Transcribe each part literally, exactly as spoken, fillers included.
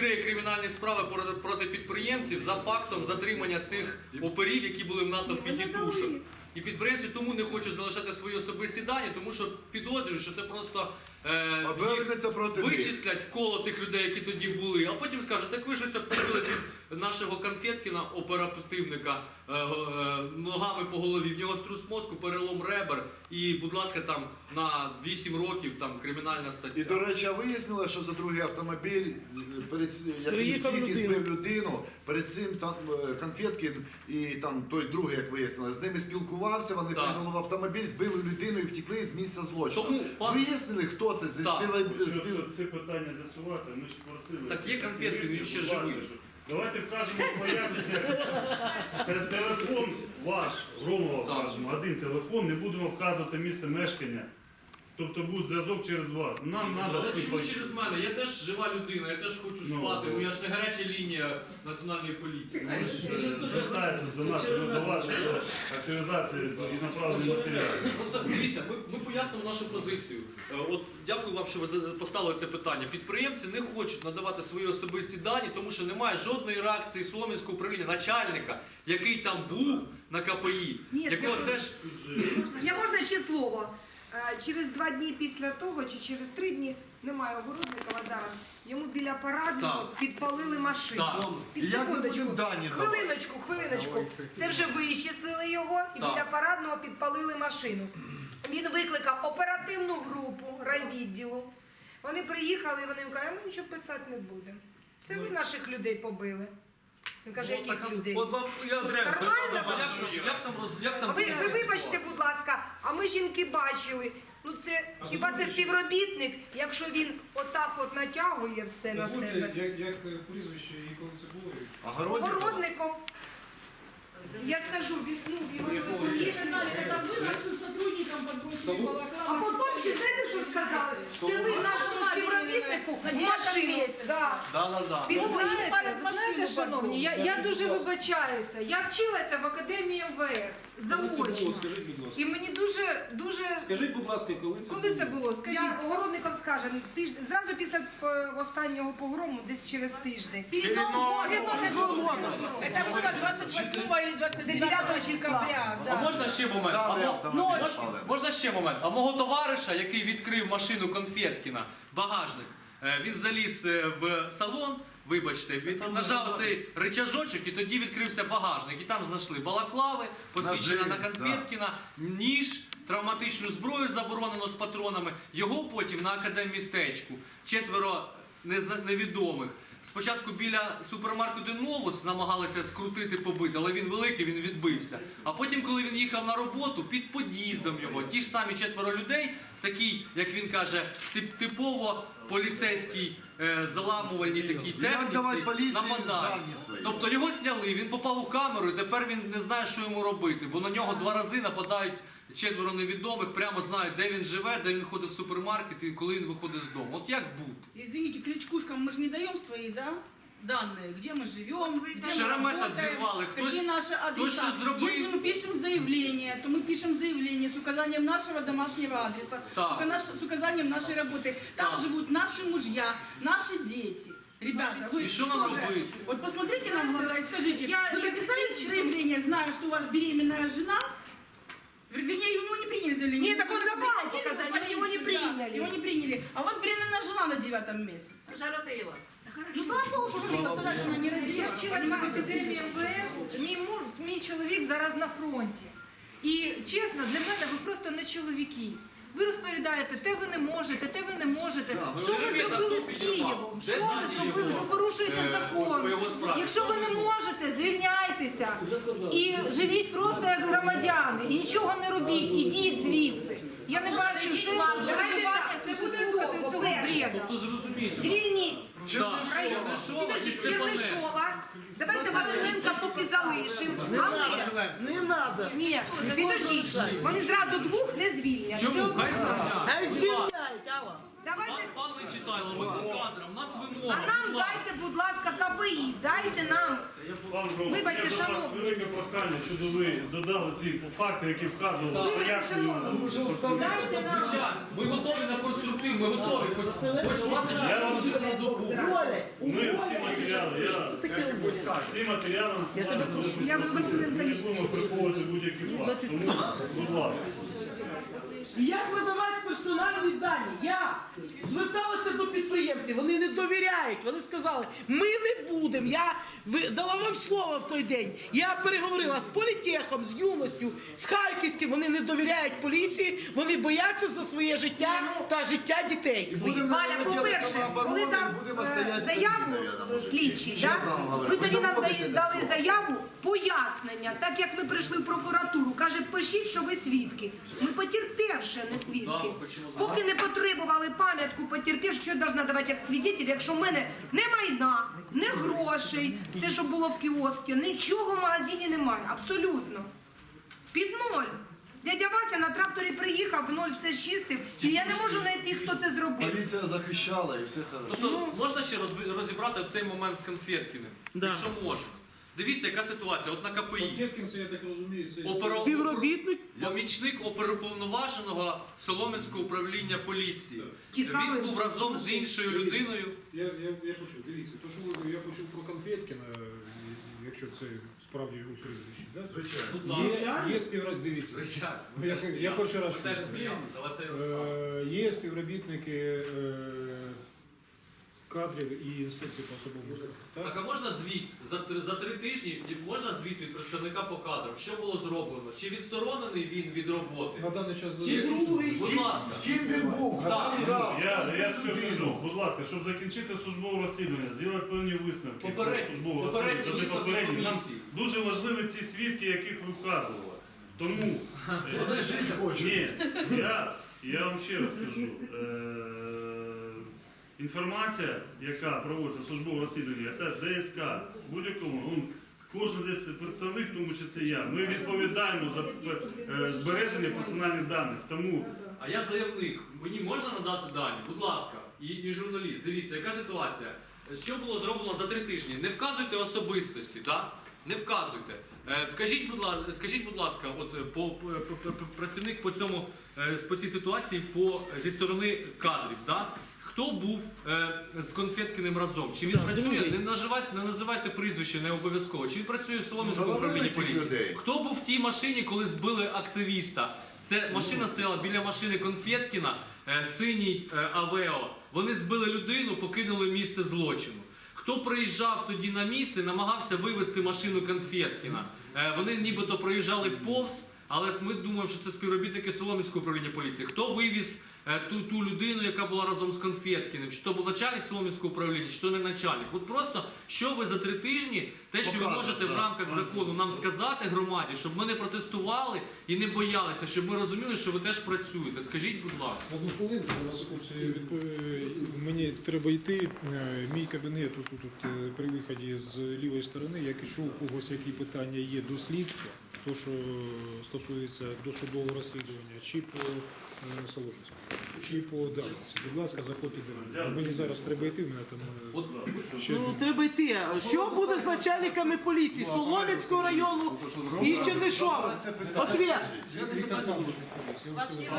відкриє кримінальні справи проти, проти підприємців за фактом затримання цих оперів, які були в натовпі тітушок. І підприємці тому не хочуть залишати свої особисті дані, тому що підозрюють, що це просто е, їх вичислять коло тих людей, які тоді були, а потім скажуть, так ви щось обпустили під нашого Конфеткіна, оперативника, е, е, ногами по голові, в нього струс мозку, перелом ребер, і, будь ласка, там на вісім років там кримінальна стаття. І, до речі, вияснили, що за другий автомобіль, перед цим, як він тільки збив людину, перед цим там Конфеткін і там той другий, як вияснили, з ними спілкувався, вони Так. прийняли в автомобіль, збили людину і втекли з місця злочину. Тому, пан- Вияснили, хто це? Зі Так. співа- Щоб спів- це питання з'ясувати, ми ж просили. Так є Конфеткін, він ще Будь ласка, живий. що- Давайте вкажемо пояснення. Телефон ваш, Громова Так. вкажемо, один телефон, не будемо вказувати місце мешкання. Тобто буде зв'язок через вас. Нам треба Але цим чому бачити. через мене? Я теж жива людина, я теж хочу Ну, спати, ну. ну я ж не гаряча лінія національної поліції. Ви ж е, звертаєтесь до нас, вже до вас, що активізація і направлення матеріалів. Просто дивіться, ми, ми пояснимо нашу позицію. Е, От дякую вам, що ви за- поставили це питання. Підприємці не хочуть надавати свої особисті дані, тому що немає жодної реакції Солом'янського управління, начальника, який там був на ка пе і, Ні, якого я- теж Я можна ще слово? Е, Через два дні після того, чи через три дні, немає Огородникова зараз, йому біля парадного Так. підпалили машину. Так. Під І як ми секундочку. будемо дані давати? Хвилиночку, хвилиночку. Це вже вичислили його і Так. біля парадного підпалили машину. Він викликав оперативну групу райвідділу. Вони приїхали і вони їм кажуть, а ми нічого писати не будемо. Це ви наших людей побили. Він каже, Ну, яких так, людей? От вам я одразу. Нормально? як, там- як там роз як там Ви, ви вибачте, будь ласка, а ми жінки бачили. Ну це хіба це співробітник, якщо він отак от натягує все на себе? Дозвольте, як, як прізвище і коли це було? Огородников? Огородников. Я скажу, він ну його Якого? Это вы нашим сотрудникам подбросили А балаклавы. потім ще знаєте, що сказали? Це ви нашому співробітнику в машину. Да. Да, да, да. Він Ну, ви знаєте, перед ви знаєте, машину шановні, я, подумали. я дуже вибачаюся. Я вчилася в академії ем ве ес заочно. Скажіть, будь ласка. І мені дуже, дуже Скажіть, будь ласка, коли це Коли це було? Скажіть, Огородников скаже, тиждень, зразу після е, останнього погрому, десь через тиждень. Перед Новым Перед Новым годом. Это было двадцать восьмого или двадцать девятого дев'ятого декабря. А Да. можна ще момент? А Даний мо- автомобіль Мож- спалили. Можна ще момент? А мого товариша, який відкрив машину Конфеткіна, багажник, е, він заліз е, в салон, вибачте, він нажав цей рычажочок і тоді відкрився багажник. І там знайшли балаклави, посвідчення на Ножи, Конфеткіна, ніж, травматичну зброю заборонено з патронами. Його потім на академмістечку четверо незна- невідомих. Спочатку біля супермаркету Новус намагалися скрутити, побити, але він великий, він відбився. А потім, коли він їхав на роботу, під під'їздом його, ті ж самі четверо людей, в такій, як він каже, тип- типово поліцейській е, заламувальній такій Як давати техніці поліції нападають. дані свої? Тобто його зняли, він попав у камеру, і тепер він не знає, що йому робити, бо на нього два рази нападають четверо невідомих, прямо знають, де він живе, де він ходить в супермаркет і коли він виходить з дому. От як бути? Извините, кличкушкам мы же не даем свои, да? Данные, где мы живем, где мы Шеремета работаем, взорвали, какие хтось- наши хтось адреса. щось зробив. Если мы пишем заявление, то мы пишем заявление с указанием нашего домашнего адреса, Так. с ука- с указанием нашей работы. Там Так. живут наши мужья, наши дети. Ребята, вы И что нам тоже- делать? Вот посмотрите нам в глаза и скажите, Я- вы я написали заканчиваю. заявление, зная, что у вас беременная жена? Вернее, у него не приняли заявление. Нет, так он Вы давал приходили показать, в но его не полицию, приняли. да, Его не приняли. А у вас беременная жена на девятом месяце. Жаротила. Ну, слава Богу, що родила, тоді ж вона не родила. Я вчилася в академії ем ве ес, мій, муж, мій чоловік зараз на фронті. І чесно, для мене ви просто не чоловіки. Ви розповідаєте, те ви не можете, те ви не можете. Да, ви Що ви розумієте, зробили хто з підірвав? Києвом? Де Що ви дані зробили? його? Ви порушуєте Е, закон. по його справі. Якщо ви не можете, звільняйтеся. І живіть просто як громадяни. І нічого не робіть. Ідіть звідси. Я не бачу сенсу Давайте так, це буде слухати довго. цього Перше. бреду. Тобто зрозуміти. Звільніть Чернишова, Чернишова і Підожди, Степаненко. Чернишова. Давайте Василенка поки залишимо. Але Не надо. ні, підождіть, вони зразу двох не звільнять. Чому? Це- Хай звільняють. Хай Будь ласка. звільняють, Алла. Давайте. Пан, пан Нечитайло, ви по кадрам, у нас вимога. А нам будь ласка. дайте, будь ласка, ка пе і, дайте нам. Пан Громов, Вибачте, я до вас шановні. велике прохання, щоб ви додали ці факти, які вказували, Вибачте, пояснювали. шановні, дайте нам. Звичайно, ми готові на конструктив, ми готові. Хоч, хоч двадцять Я вам чотири години на добу. Уволі, Ми уволі. всі матеріали, я Таке буде. всі матеріали надсилаю. Я буду Василенко Ми не лічно. будемо приховувати будь-які факти. Тому, будь ласка. Як видавати персональні дані? Я зверталася до підприємців, вони не довіряють. Вони сказали, ми не будемо. Я ви- дала вам слово в той день. Я переговорила з політехом, з юністю, з Харківським. Вони не довіряють поліції, вони бояться за своє життя та життя дітей своїх. Будемо Валя, робити по-перше, самооборону, коли дав будемо е, стояти заяву самі, наверно, може. слідчий, Чесно да? вам говорю, ви ви тоді нам доводите дали- до дали цього. заяву, пояснення, так як ми прийшли в прокуратуру. Каже, пишіть, що ви свідки. Ми потерпівши, не Да, свідки. ми хочемо Поки не потребували пам'ятку потерпів, що я должна давати як свідетель, якщо в мене не майна, не грошей, все, що було в кіоскі, нічого в магазині немає, абсолютно. Під ноль. Дядя Вася на тракторі приїхав, в ноль все чистив, і я не можу знайти, хто це зробив. Поліція захищала і все хорошо. Тобто можна ще розб- розібрати цей момент з Конфеткіним? Да. Якщо можна. Дивіться, яка ситуація. От на КПІ. Конфеткин, це, я так розумію, це Оперо- Співробітник? Помічник оперуповноваженого Солом'янського управління поліції. Цікавий. Він був разом з іншою людиною. Я, я, я почув, дивіться, то, що ви, я почув про Конфеткіна, якщо це справді його прізвище, да? Звичайно. Є, є співробітники, дивіться, Звичайно. Я- я перший раз Теж чую. сміємося, але це його справа. Е, є співробітники е, кадрів і інспекції по особовому складу. Так, Так? а можна звіт за, три- за три тижні, можна звіт від представника по кадрам? Що було зроблено? Чи відсторонений він від роботи? На даний час Чи другий? З Будь ким, ласка. з ким він був? Так. Хто дав? Я, Хто я збив що людину? кажу, будь ласка, щоб закінчити службове розслідування, зробити певні висновки про Попередні- службове попередні розслідування, даже висновки попередні. Нам комісії. дуже важливі ці свідки, яких ви вказували. Тому Вони жити хочуть. ні, я, я вам ще раз скажу. Е, інформація, яка проводиться службове розслідування, це ДСК, будь-якому, ну, кожен здесь представник, в тому числі я, ми відповідаємо за е, збереження персональних даних. Тому А я заявник, мені можна надати дані? Будь ласка, і, і журналіст, дивіться, яка ситуація. Що було зроблено за три тижні? Не вказуйте особистості, так? Не вказуйте. Е, вкажіть, будь ласка, скажіть, будь ласка, от е, по, по, по- по- працівник по цьому е, по цій ситуації по зі сторони кадрів, так? Хто був е, з Конфеткіним разом? Чи він Так, працює? другий. Не називайте, не називайте прізвище, не обов'язково. Чи він працює в Солом'янському Завалили управлінні тих поліції? людей. Хто був в тій машині, коли збили активіста? Це машина стояла біля машини Конфеткіна, е, синій е, Авео. Вони збили людину, покинули місце злочину. Хто приїжджав тоді на місце, намагався вивезти машину Конфеткіна. Е, вони нібито проїжджали повз, але ми думаємо, що це співробітники Солом'янського управління поліції. Хто вивіз е, ту, ту людину, яка була разом з Конфеткіним? Чи то був начальник Солом'янського управління, чи то не начальник? От просто, що ви за три тижні, те, що ви Показує, можете в так. рамках закону нам сказати громаді, щоб ми не протестували і не боялися, щоб ми розуміли, що ви теж працюєте. Скажіть, будь ласка. Одну хвилинку, на секунду, відпов- мені треба йти. Е, Мій кабінет тут, тут е, при виході з лівої сторони. Якщо у когось які питання є до слідства, то що стосується досудового розслідування, чи по е, Солом'янську, чи по Дарниці. Будь ласка, заходьте до мене. Мені зараз треба йти, в мене там е, От ще Ну, треба йти. Що буде з начальниками поліції Солом'янського району і Чернишова? Це питання. Ответ. Віктор Сандович, я вам сказав.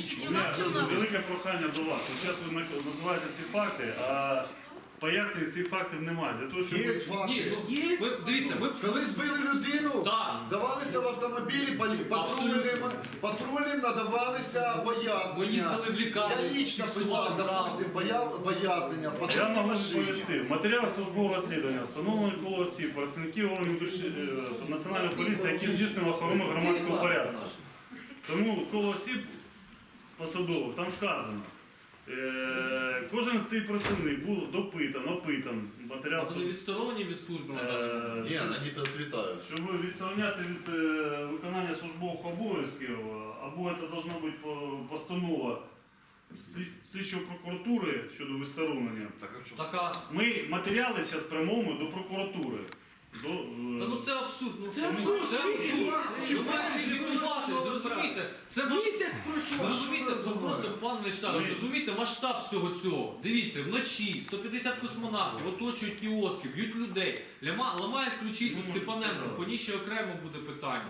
у мене велике прохання до вас. Зараз ви називаєте ці факти, а пояснень цих фактів немає. Для того, щоб Є ви- ні, факти. ну ми дивіться, ми Коли збили людину, Так. давалися в автомобілі полі- патрульним, патрульним надавалися пояснення. Ми їздили в лікарню, Я лічно фіксували писав, травму. допустим, появ- пояснення в Я патрульній можу машині. відповісти. В матеріалах службового розслідування встановлено коло осіб, працівників органів е, Національної поліції, які здійснювали охорону громадського порядку. Тому коло осіб посадових там вказано. Е, кожен цей працівник був допитан, опитан. Матеріал а то не відсторонені від служби на даний момент. Е, Ні, вони процвітають. Щоб відставляти від е, виконання службових обов'язків, або це должна бути по- постанова слід- слідчої прокуратури щодо відсторонення. Так, а що? Така. Ми матеріали зараз прямуємо до прокуратури. До, е, Та ну це абсурд. Ну, Це абсурд. Це абсурд. Ви маєте звітувати, зрозумійте. Це маш... Місяць пройшов. Зрозумійте, ну, просто, пан Лечтар, Ми- зрозумійте масштаб всього цього. Дивіться, вночі сто п'ятдесят космонавтів оточують кіоски, б'ють людей, ляма- ламають ключицю Ну, Степаненко, сказали. по ній ще окремо буде питання.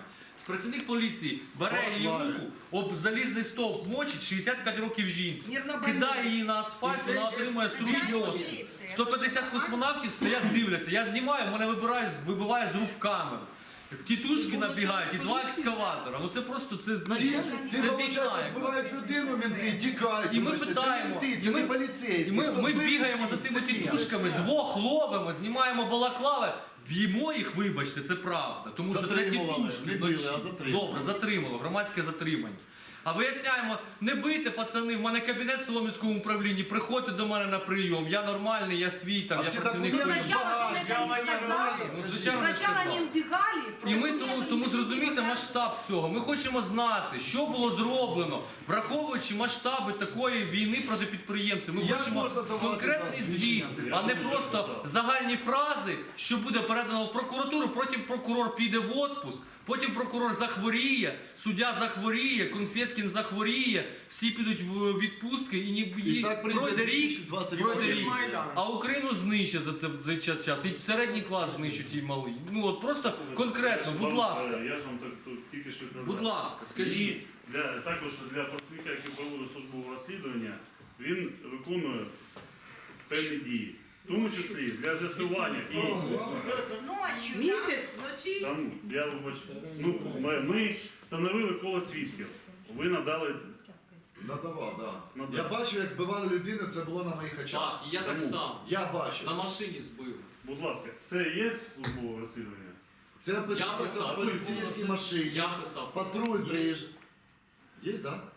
працівник поліції бере її Балаклаві. руку, об залізний стовп мочить, шістдесят п'ять років жінці. Мирно Кидає її на асфальт, вона отримує струс. сто п'ятдесят космонавтів стоять, дивляться. Я знімаю, мене вибирає, вибиває з рук камеру. Тітушки набігають і два екскаватора. Ну це просто це, Ці, ці це виходить, війна. збивають людину, менти, тікають. І ми вибачте, питаємо, це менти, і це ми, не поліцейські. і ми, Хто ми збив бігаємо людей, за тими це ні. тітушками, двох ловимо, знімаємо балаклави, б'ємо їх, вибачте, це правда. Тому що це Затримували, тітушки. не били, вночі. а затримували. Добре, затримало, громадське затримання. А виясняємо, не бийте, пацани, в мене кабінет в Солом'янському управлінні, приходьте до мене на прийом, я нормальний, я свій, там, А я всі працівник. документи поліції. Сначала багажні, что-то а не вони сказали. нормальні, Ну, скажіть. звичайно, не Сначала сказали. они убегали. І ми тому, тому зрозумієте масштаб цього. Ми хочемо знати, що було зроблено, враховуючи масштаби такої війни проти підприємців. Ми Як хочемо можна давати конкретний да, звіт, свідчення? а не просто загальні фрази, що буде передано в прокуратуру, потім прокурор піде в отпуск, потім прокурор захворіє, суддя захворіє, Конфеткін захворіє, всі підуть в відпустки і, ні, і, так прийде пройде рік, дві тисячі двадцять пройде другий рік. А Україну знищать за це за цей час. І середній клас знищать і малий. Ну от просто конкретно, будь Вам, ласка. е, Я ж вам так тут тільки що казав. Будь ласка, скажіть. І для, також для працівника, який проводить службове розслідування, він виконує певні дії. В тому числі для з'ясування і Ночью. Місяць? Вночі. там, я вибачу, ну, ми, ми встановили коло свідків. Ви надали. Надавав, да. Надав. Я бачив, як збивали людину, це було на моїх очах. Так, і я так Тому само. Я бачив. На машині збив. Будь ласка, це є службове розслідування? Це описалося писав. в поліцейській машині. Я писав. Патруль Є. приїжджає. Є, так? Да?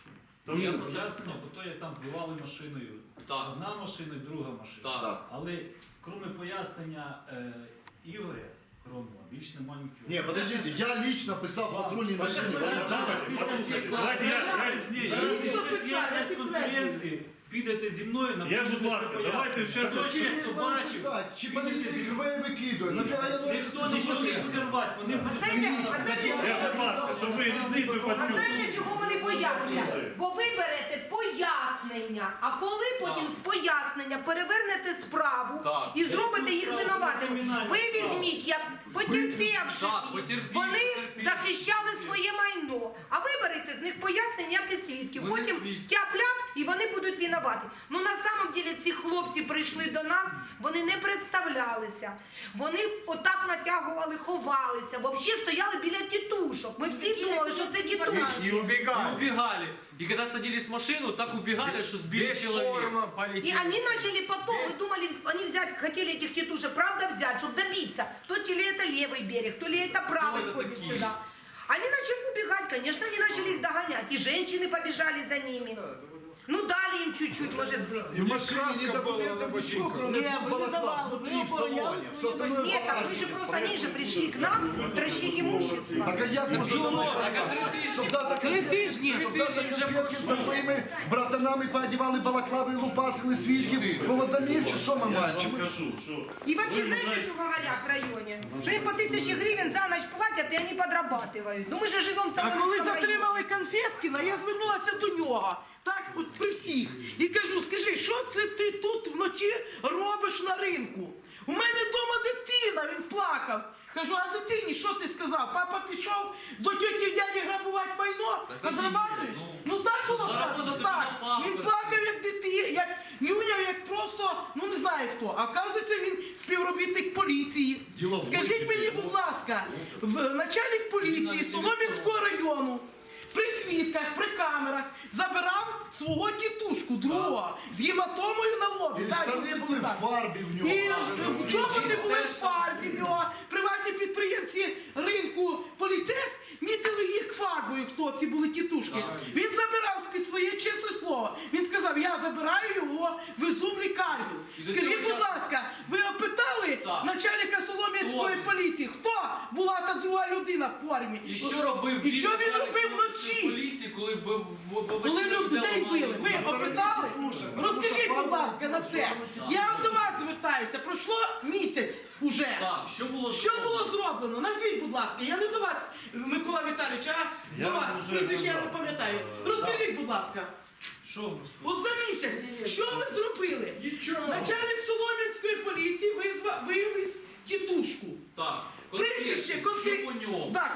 Там Я є- про це Ясно, бо то як там збивали машиною. Так. Одна машина і друга машина. Так. Так. Але крім пояснення е, Ігоря Громова, більш нема нічого. Ні, подождите, я лично писав в патрульній машині. Давайте, послухайте, давайте я, я, Ні, Я я нічого після писав, я конференції підете зі мною на Я, будь ласка, давайте ще раз. Хто ще хто бачив, Писати, чи підете поліцейський зі мною. рве викидує. Набігає ножиці, Ніхто що нічого не хоче. буде рвати, вони будуть Знаєте, а знаєте, Я, будь ласка, щоб ви різницю А почули. знаєте, чого вони бояться? Бо ви берете пояснення, а коли потім з пояснення перевернете справу Так. і зробите їх справу винуватими. кримінальну Ви справу. візьміть, як потерпівши, Так, потерпілі, вони потерпілі. захищали своє майно, а ви берете з них пояснення, як і свідків. Ми Потім свідки. тяп-ляп і вони будуть винуваті. Ну на самом деле ці хлопці прийшли до нас, вони не представлялися. Вони отак натягували, ховалися, взагалі стояли біля тітушок. Ми всі думали, що це тітушки. И убегали. И когда садились в машину, так убегали, что сбили человека. И они начали потом, вы думали, они взять, хотели этих тетушек, правда взять, чтобы добиться, то ли это левый берег, то ли это правый это ходит такие? сюда. Они начали убегать, конечно, они начали их догонять, и женщины побежали за ними. Ну дали им чуть-чуть, может быть. І в машині ні документів, нічого, кроме Ні, ви не балаклав, давали, внутрі ви в салоні. обороняли Все свої остальное Нет, так вы же просто, они же пришли к нам стращить имущество. Так а як можна давати? Щоб завтра Три тижні. Щоб завтра конфетки за своїми братанами поодівали балаклави, лупасили свідків, голодомір, чи що ми Я маємо? ж Чи вам ми- кажу, що И вообще, ви знаете, знаєте- что говорят в районе? Что им по тысяче гривен за ночь платят, и они подрабатывают. Ну мы же живем в А коли Соломенском районе. затримали Конфеткіна, я звернулася до нього. Так, от при всіх. І кажу, скажи, що це ти тут вночі робиш на ринку? У мене вдома дитина, він плакав. Кажу, а дитині що ти сказав? Папа пішов до тьоті і дяді грабувати майно? Подрабатуєш? Ну так було сказано, так. Він плакав як дитина, як нюняв, як просто, ну не знаю хто. А оказується, він співробітник поліції. Діловий. Скажіть мені, будь ласка, в начальник поліції Солом'янського району при свідках, при камерах забирав свого тітушку другого з гематомою на лобі. І Так, штани він були в так. фарбі в нього. І в чоботи були в фарбі в нього. Приватні підприємці ринку Політех мітили їх фарбою, хто ці були тітушки. Він забирав під своє чесне слово. Він сказав, я забираю його, везу в лікарню. І до Скажіть, цього будь часу- ласка, ви опитали Так. начальника Солом'янської Хто? поліції, хто була та друга людина в формі? І що робив І що він начальник робив Солом'янської вночі? поліції, коли б Коли людей били, ви опитали? Розкажіть, будь ласка, на це. Я до вас звертаюся. Пройшло місяць уже. Так, що було Що було зроблено? Назвіть, будь ласка. Я не до вас, Микола Віталійович, а Я до вас. вже Прізвище я не казав. пам'ятаю. Розкажіть, будь ласка. Що ви розповідаєте? От за місяць, що ви зробили? Начальник Солом'янської поліції визвав, вивіз тітушку. Так, Прізвище, конкретно, що конкретно. по ньому? Так, конкретно,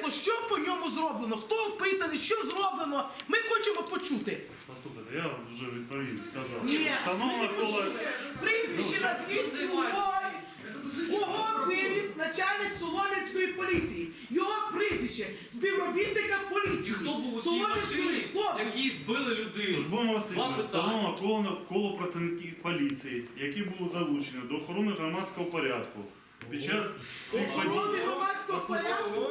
хочемо, що по ньому зроблено, хто опитаний, що зроблено. Ми хочемо почути. Послухайте, я вже відповів, сказав. Ні, ми Встановлено не коло... почули. Прізвище назвіть, кого вивіз начальник Солом'янської поліції. Його прізвище, співробітника І поліції. хто був у цій Солом'янської- машині, Хто? які збили людину? Службовому Два розслідуванню питання. встановлено коло, коло працівників поліції, які були залучені до охорони громадського порядку. Під час цих подій... Охорони громадського порядку.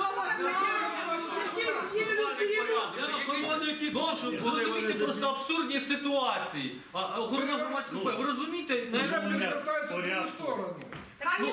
Ну, ви розумієте просто абсурдні ситуації. А, а охорона громадського порядку. Ви розумієте? Уже Знаєте, перевертается в другую порядку. сторону. пане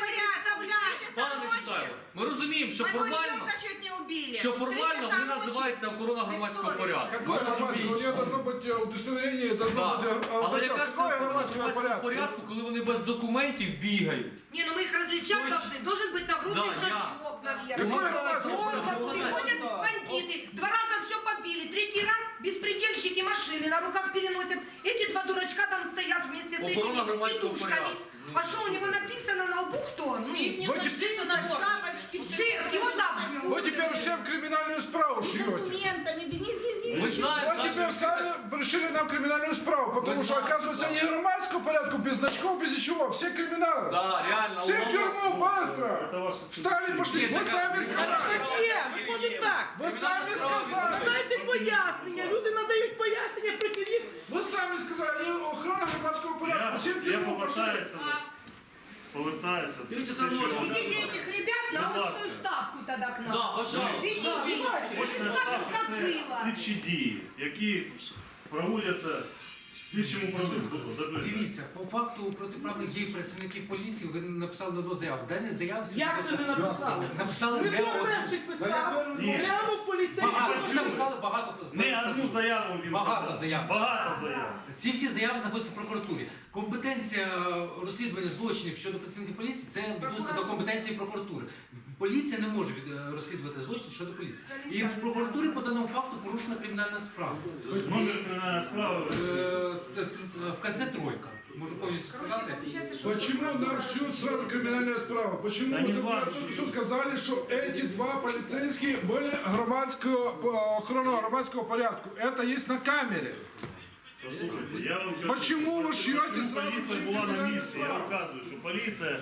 Вячеславе, ми розуміємо, що формально, що формально вони називаються охорона громадського порядку. Какое громадское? У нее должно быть э, удостоверение, должно Так. быть э, Але означать, яка ж це какое охорона громадского громадського порядка? порядку, коли вони без документів бігають? Не, ну мы их различать Ой, должны. Должен быть нагрудный да, я- значок, наверное. Какое громадское порядка? Приходят бандиты, два раза все побили, третий раз беспредельщики машины на руках переносят. Эти два дурачка там стоят вместе с Охорона этими громадського петушками. порядку. А что у него написано на лбу кто? Ну, Вы теперь- цирк, его там. Вы теперь всем криминальную справу шьете. Документами, не, не, не. Ми знаємо, Вы теперь наші- сами решили нам криминальную справу, потому Мы что, знаем, оказывается, да. не громадского порядка, без значков, без ничего. Все криминалы. Да, реально. Все в уголовно- тюрьму, быстро. Это ваша Встали, пошли. Нет, Вы так- сами сказали. Так є, виходить так. Вы сами сказали. Дайте пояснення, люди надають пояснення проти них. Вы сами сказали, не охрана громадского порядка. Я, Все в я тюрьму пошли. повертаюся до... Повертаюся до... Дивіться, те, що я Савлович, вам Ведите казав. этих ребят на Будь ласка. очную ставку тогда к нам. Да, пожалуйста. Ведите, ведите. Очна Скажем, ставка как це было. слідчі дії, які проводяться слідчим управлінцем. Дивіться, по факту протиправних дій працівників поліції ви написали на одну заяву. В даній заявці Як це не написали? написали не Дмитро одну. Берчик писав, Ні. прямо в поліцейському. Багато. Ви написали багато. Не одну заяву він Багато написав. заяв. Багато заяв. Ці всі заяви знаходяться в прокуратурі. Компетенція розслідування злочинів щодо працівників поліції це відноситься до компетенції прокуратури. Поліція не може від- е, розслідувати злочин щодо поліції. І в прокуратурі по даному факту порушена кримінальна справа. Номер кримінальної справи. Е, т- т- В кінці тройка. Можу повністю сказати. Почему нам шьют сразу криминальная справа? Почему Да вы не только важно. только что сказали, что эти два полицейских были громадского, э, охрана громадского порядку? Это есть на камере. Послухайте, я вам кажу, Почему ви шьете чому сразу поліція всі була на кримінальні місці? Я справи? розказую, що поліція...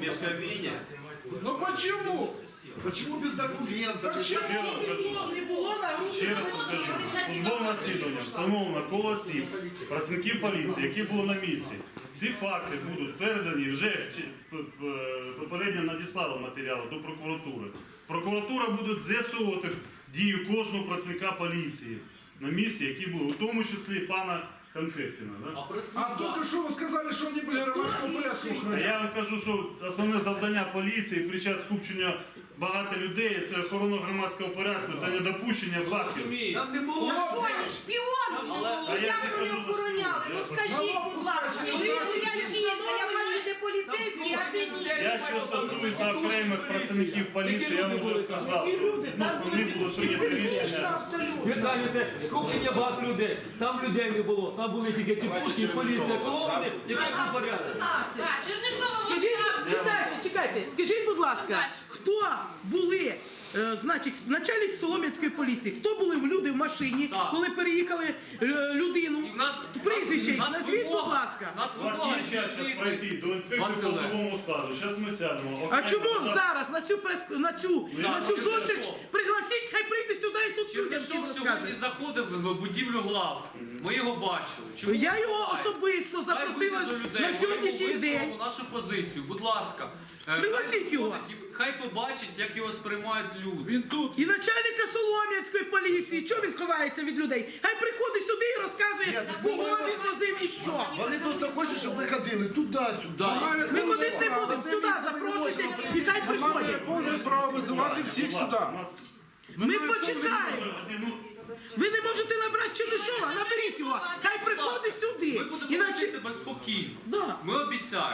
Ну почему? Почему без документов? Почему? Не було на Ще раз скажу, службовим розслідуванням встановлено коло осіб, працівників поліції, які були на місці. Ці факти будуть передані вже чи- п- п- попередньо надіслали матеріали до прокуратури. Прокуратура буде з'ясовувати дію кожного працівника поліції на місці, які були, у тому числі пана Конфеткіна. Да? А А прислужба... только что вы сказали, что они были громадского порядку А охраняют. я вам кажу, що основне завдання поліції під час скупчення багато людей це охорона громадського порядку та недопущення фактів. Розумієте? Там не було. А що, вони шпіони? Але- Ну А я як ж вони кажу, охороняли? Ну я скажіть, будь ласка, ну я жінка, я бачу, де поліцейські, а де ні. Якщо стосується окремих працівників поліції, я вам вже сказав, що відносно них було прийнято Це смішно рішення. абсолютно. Ви кажете, скупчення багато людей. Там людей не було. Там були тільки тітушки, поліція, колони, який був порядок. Скажіть, чекайте, чекайте, скажіть, будь ласка, хто були, е, значить, начальник Солом'янської поліції, хто були в люди в машині, Так. коли переїхали е, людину? І в нас... Прізвище, в нас назвіть, будь вимога- ласка. в нас У вас вимога, є час що зараз ви- пройти до інспекції по Василе. особовому складу. Зараз ми сядемо. А Окремо чому додам- зараз на цю прес на цю Ну, на так, цю ну, зустріч що? пригласіть, хай прийде сюди і тут людям всім Чернишов сьогодні розкаже. заходив в будівлю главки. Ми його бачили. Чому Я його відбувається? особисто Хай запросила вийде до людей, на ми сьогоднішній йому день. висловимо нашу позицію. Будь ласка. Е, Пригласіть хай його. виходить і Хай побачить, як його сприймають люди. Він тут. І начальника Солом'янської поліції, чого він ховається від людей? Хай приходить сюди і розказує, кого він возив і що. Вони просто хочуть, щоб ми ходили туди-сюди. Ми ходити не будемо, сюди запрошуйте і хай Має приходять. повне право визивати всіх Будь сюди. ласка, у нас- Ми почекаємо. Ну, Ви не можете набрати Чернишова, наберіть його, хай приходить Ми сюди. будемо вести Іначе... себе спокійно. Да. Ми обіцяємо.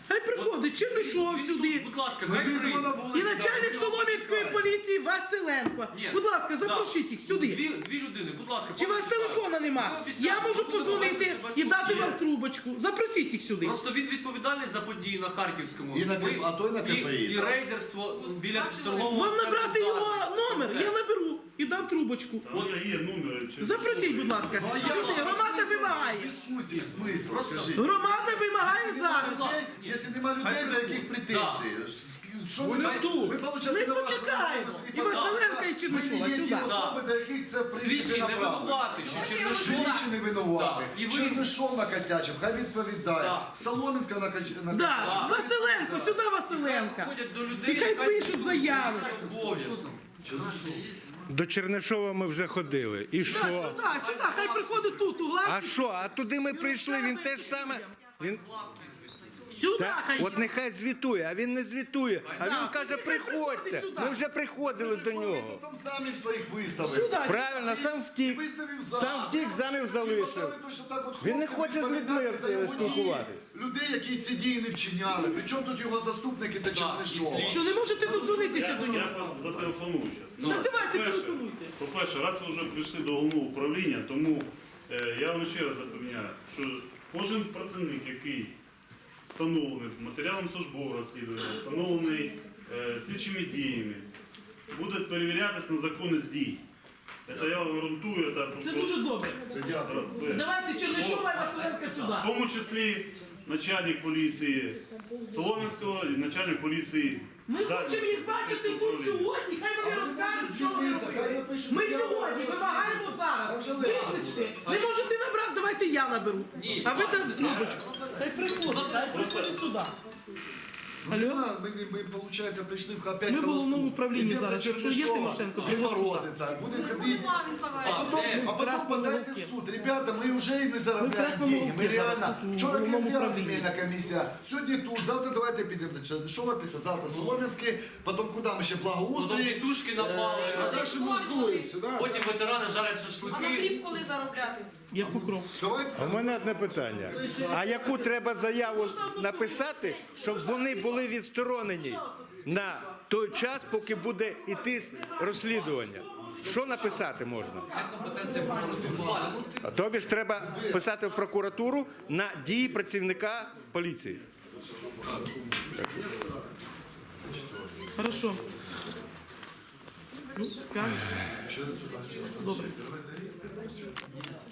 Хай приходить Чернишов Він сюди. тут, будь ласка, Ми хай підемо прийде. на І вулицю, начальник там, Солом'янської чекаємо. поліції Василенко. Ні. Будь ласка, Да. запросіть їх сюди. Дві, дві людини, будь ласка. Чи у вас почекайте. телефона Ви нема? обіцяли, Я можу ви будете подзвонити себе і дати слухати. вам трубочку. Запросіть їх сюди. Просто він відповідальний за події на Харківському. І на Ми- К- а то й на КПІ, І, і так. рейдерство біля торгового Вам центру набрати його «Дарвін». номер, я наберу і дам трубочку. Там є номери. чи- Запросіть, будь ласка. Ну, а я- Сюди. Громада смисл вимагає. Дискусії, смисл, Просто- скажіть. Громада вимагає зараз. Ні. Якщо нема людей, Хай до прийдуть. яких претензій? Що ви Вони тут? тут. Ми, получається, Ми на вас почекаємо. надаємо І свій Василенка, податок. і Чернишова Ми є ті сюди. особи, до яких це в принципі Свідчий не направлено. винуватий, що Чернишов... Слідчі не винувати. Да. І ви- Чернишов накосячив, хай відповідає. Да. Соломінська накосячив. Да, Василенко, сюди Василенка. Ходять до людей, І хай яка пишуть заяви. обов'язок. До Чернишова ми вже ходили. І Да, що? сюди, сюди, хай приходить тут, у А главі. що? А туди ми прийшли, він теж саме. Він Сюди так, хай. от нехай звітує, а він не звітує. А він каже, приходьте. Ми вже приходили до нього. Потім самі в своїх виставив. Сюди. Правильно, сам втік. Виставив зал. Сам втік, замів залишив. Поставили то, що так от Він не хлопці хоче з людьми відповідати за його дії. спілкуватись. Людей, які ці дії не вчиняли. Причому тут його заступники та Чернишова. Що не можете додзвонитися до Я, я нього? вас зателефоную зараз. Так давайте телефонуйте. По-перше, раз ви вже прийшли до головного управління, тому е, я вам ще раз запевняю, що кожен працівник, який встановлений матеріалом службового розслідування, встановлений е, слідчими діями, буде перевірятись на законність дій. Це я вам гарантую. Це, Це дуже добре. Це дякую. Е, Давайте Чернишова і Василенка в сюди. тому числі начальник поліції Солом'янського і начальник поліції. Ми хочемо їх бачити тут сьогодні, хай вони розкажуть, що вони робили. Ми сьогодні вимагаємо зараз. Викличте. Не можете набрати, давайте я наберу. А ви там трубочку. Хай приходить, хай приходить сюди. Алло? Ми, ми, ми, виходить, прийшли в опять Ми в холосту. головному управлінні Ідемо зараз. до Якщо є Чернишова, Тимошенко, він пригласіть. морозиться, будемо ходити. А А, потім, де? а потім Красному подайте в Луки. суд. Ребята, ми вже і не заробляємо Красному деньги. Ми Луки зараз реально. тут у Вчора головному п'ятдня управлінні. земельна комісія, сьогодні тут, завтра давайте підемо до Чернишова, після завтра в Солом'янський, потім куди ми ще Потім благоустрій. тітушки напали. Е, Дальше ми здуємося, да? Потім ветерани жарять А на шашлики. хліб коли заробляти? Я покров. Давайте. У мене одне питання. А яку треба заяву написати, щоб вони були відсторонені на той час, поки буде йти розслідування? Що написати можна? Це компетенція прокуратури. А тобі ж треба писати в прокуратуру на дії працівника поліції. Хорошо. Ну, скажеш. Добре.